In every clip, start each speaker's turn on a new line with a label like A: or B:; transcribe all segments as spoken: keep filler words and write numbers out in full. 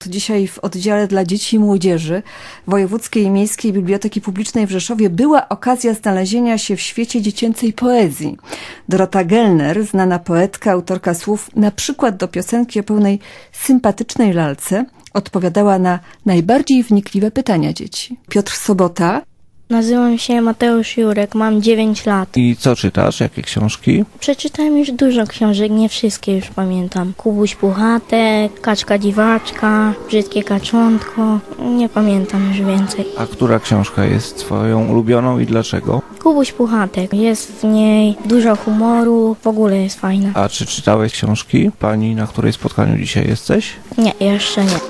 A: Dzisiaj w oddziale dla dzieci i młodzieży Wojewódzkiej i Miejskiej Biblioteki Publicznej w Rzeszowie była okazja znalezienia się w świecie dziecięcej poezji. Dorota Gellner, znana poetka, autorka słów na przykład do piosenki o pełnej sympatycznej lalce, odpowiadała na najbardziej wnikliwe pytania dzieci. Piotr Sobota.
B: Nazywam się Mateusz Jurek, mam dziewięć lat.
C: I co czytasz? Jakie książki?
B: Przeczytałem już dużo książek, nie wszystkie już pamiętam. Kubuś Puchatek, Kaczka Dziwaczka, Brzydkie Kaczątko, nie pamiętam już więcej.
C: A która książka jest twoją ulubioną i dlaczego?
B: Kubuś Puchatek, jest w niej dużo humoru, w ogóle jest fajna.
C: A czy czytałeś książki pani, na której spotkaniu dzisiaj jesteś?
B: Nie, jeszcze nie.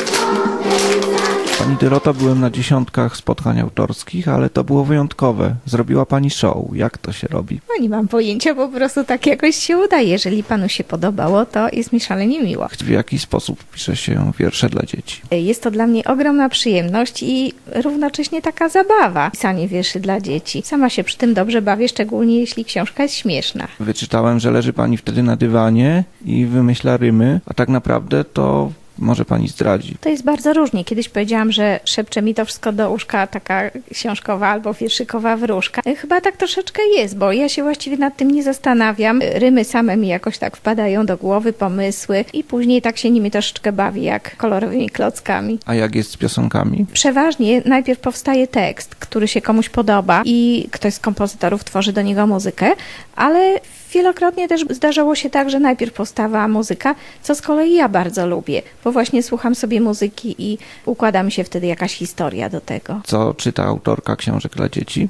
C: Pani Dorota, byłem na dziesiątkach spotkań autorskich, ale to było wyjątkowe. Zrobiła pani show. Jak to się robi?
D: No nie mam pojęcia, po prostu tak jakoś się udaje. Jeżeli panu się podobało, to jest mi szalenie miło.
C: W jaki sposób pisze się wiersze dla dzieci?
D: Jest to dla mnie ogromna przyjemność i równocześnie taka zabawa. Pisanie wierszy dla dzieci. Sama się przy tym dobrze bawię, szczególnie jeśli książka jest śmieszna.
C: Wyczytałem, że leży pani wtedy na dywanie i wymyśla rymy, a tak naprawdę to... Może pani zdradzi.
D: To jest bardzo różnie. Kiedyś powiedziałam, że szepcze mi to wszystko do uszka taka książkowa albo wierszykowa wróżka. Chyba tak troszeczkę jest, bo ja się właściwie nad tym nie zastanawiam. Rymy same mi jakoś tak wpadają do głowy, pomysły i później tak się nimi troszeczkę bawi, jak kolorowymi klockami.
C: A jak jest z piosenkami?
D: Przeważnie najpierw powstaje tekst, który się komuś podoba i ktoś z kompozytorów tworzy do niego muzykę, ale wielokrotnie też zdarzało się tak, że najpierw powstawała muzyka, co z kolei ja bardzo lubię, bo właśnie słucham sobie muzyki i układa mi się wtedy jakaś historia do tego.
C: Co czyta autorka książek dla dzieci?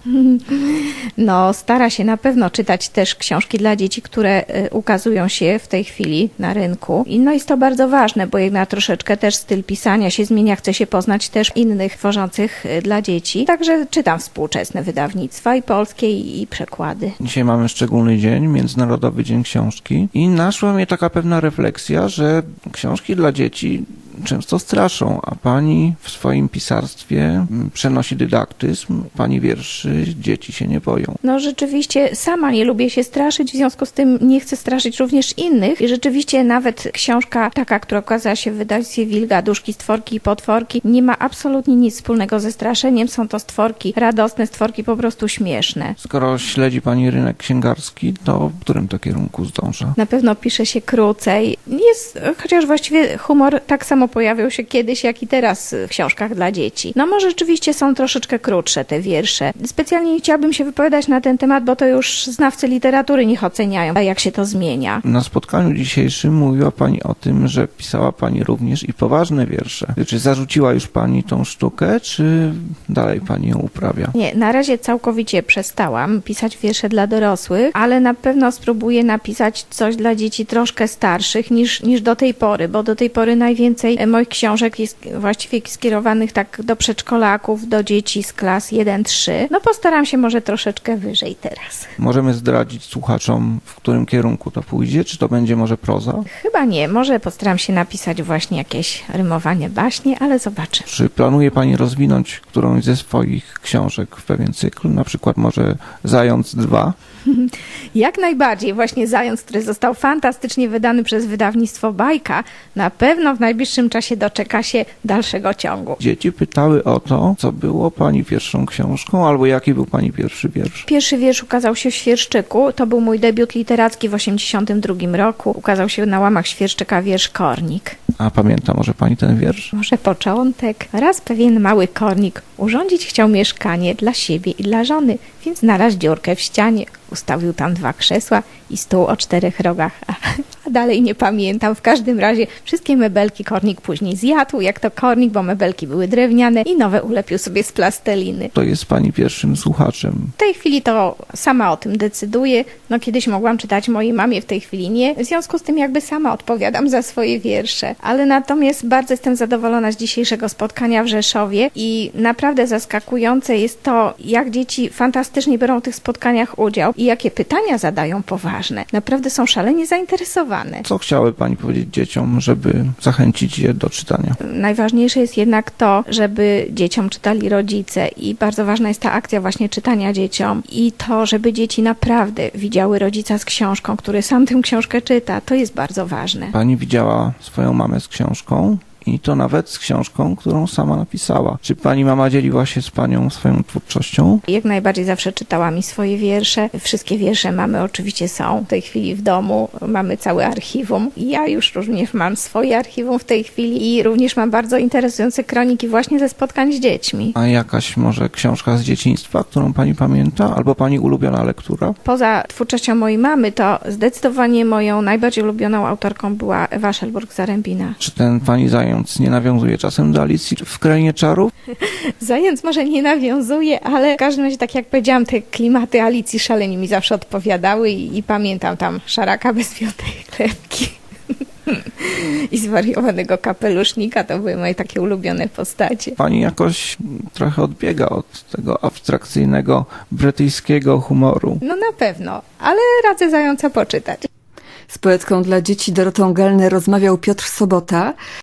D: No, stara się na pewno czytać też książki dla dzieci, które ukazują się w tej chwili na rynku. I no jest to bardzo ważne, bo jednak troszeczkę też styl pisania się zmienia, chce się poznać też innych tworzących dla dzieci. Także czytam współczesne wydawnictwa i polskie, i, i przekłady.
C: Dzisiaj mamy szczególny dzień, Międzynarodowy Dzień Książki i naszła mnie taka pewna refleksja, że książki dla dzieci często straszą, a pani w swoim pisarstwie przenosi dydaktyzm, pani wierszy, dzieci się nie boją.
D: No rzeczywiście sama nie lubię się straszyć, w związku z tym nie chcę straszyć również innych i rzeczywiście nawet książka taka, która okazała się w wydawnictwie Wilga, Duszki, Stworki i Potworki, nie ma absolutnie nic wspólnego ze straszeniem, są to stworki radosne, stworki po prostu śmieszne.
C: Skoro śledzi pani rynek księgarski, to w którym to kierunku zdąża?
D: Na pewno pisze się krócej. Jest, chociaż właściwie humor tak samo pojawiał się kiedyś, jak i teraz w książkach dla dzieci. No może rzeczywiście są troszeczkę krótsze te wiersze. Specjalnie nie chciałabym się wypowiadać na ten temat, bo to już znawcy literatury niech oceniają, jak się to zmienia.
C: Na spotkaniu dzisiejszym mówiła pani o tym, że pisała pani również i poważne wiersze. Czy zarzuciła już pani tą sztukę, czy dalej pani ją uprawia?
D: Nie, na razie całkowicie przestałam pisać wiersze dla dorosłych, ale na pewno spróbuję napisać coś dla dzieci troszkę starszych niż, niż do tej pory, bo do tej pory najwięcej moich książek jest właściwie skierowanych tak do przedszkolaków, do dzieci z klas jeden trzy. No postaram się może troszeczkę wyżej teraz.
C: Możemy zdradzić słuchaczom, w którym kierunku to pójdzie? Czy to będzie może proza?
D: Chyba nie. Może postaram się napisać właśnie jakieś rymowanie baśnie, ale zobaczę.
C: Czy planuje pani rozwinąć którąś ze swoich książek w pewien cykl? Na przykład może Zając dwa?
D: Jak najbardziej. Właśnie Zając, który został fantastycznie wydany przez wydawnictwo Bajka, na pewno w najbliższym czasie doczeka się dalszego ciągu.
C: Dzieci pytały o to, co było pani pierwszą książką, albo jaki był pani pierwszy wiersz.
D: Pierwszy wiersz ukazał się w Świerszczyku. To był mój debiut literacki w osiemdziesiątym drugim roku. Ukazał się na łamach Świerszczyka wiersz Kornik.
C: A pamięta może pani ten wiersz?
D: Może początek. Raz pewien mały kornik urządzić chciał mieszkanie dla siebie i dla żony, więc znalazł dziurkę w ścianie. Ustawił tam dwa krzesła i stół o czterech rogach. A dalej nie pamiętam. W każdym razie wszystkie mebelki kornik później zjadł, jak to kornik, bo mebelki były drewniane i nowe ulepił sobie z plasteliny.
C: To jest pani pierwszym słuchaczem.
D: W tej chwili to sama o tym decyduję. No kiedyś mogłam czytać mojej mamie, w tej chwili nie. W związku z tym jakby sama odpowiadam za swoje wiersze. Ale natomiast bardzo jestem zadowolona z dzisiejszego spotkania w Rzeszowie i naprawdę zaskakujące jest to, jak dzieci fantastycznie biorą w tych spotkaniach udział i jakie pytania zadają poważne. Naprawdę są szalenie zainteresowane.
C: Co chciały pani powiedzieć dzieciom, żeby zachęcić je do czytania?
D: Najważniejsze jest jednak to, żeby dzieciom czytali rodzice i bardzo ważna jest ta akcja właśnie czytania dzieciom i to, żeby dzieci naprawdę widziały rodzica z książką, który sam tę książkę czyta. To jest bardzo ważne.
C: Pani widziała swoją mamę z książką I to nawet z książką, którą sama napisała. Czy pani mama dzieliła się z panią swoją twórczością?
D: Jak najbardziej zawsze czytała mi swoje wiersze. Wszystkie wiersze mamy oczywiście są w tej chwili w domu. Mamy całe archiwum. I ja już również mam swoje archiwum w tej chwili i również mam bardzo interesujące kroniki właśnie ze spotkań z dziećmi.
C: A jakaś może książka z dzieciństwa, którą pani pamięta? Albo pani ulubiona lektura?
D: Poza twórczością mojej mamy, to zdecydowanie moją najbardziej ulubioną autorką była Ewa Szelburg-Zarębina.
C: Czy ten pani zając nie nawiązuje czasem do Alicji w Krainie Czarów?
D: Zając może nie nawiązuje, ale w każdym razie, tak jak powiedziałam, te klimaty Alicji szalenie mi zawsze odpowiadały i, i pamiętam tam szaraka bez piątej chlebki i zwariowanego kapelusznika. To były moje takie ulubione postacie.
C: Pani jakoś trochę odbiega od tego abstrakcyjnego brytyjskiego humoru.
D: No na pewno, ale radzę Zająca poczytać.
A: Z poetką dla dzieci Dorotą Gellner rozmawiał Piotr Sobota.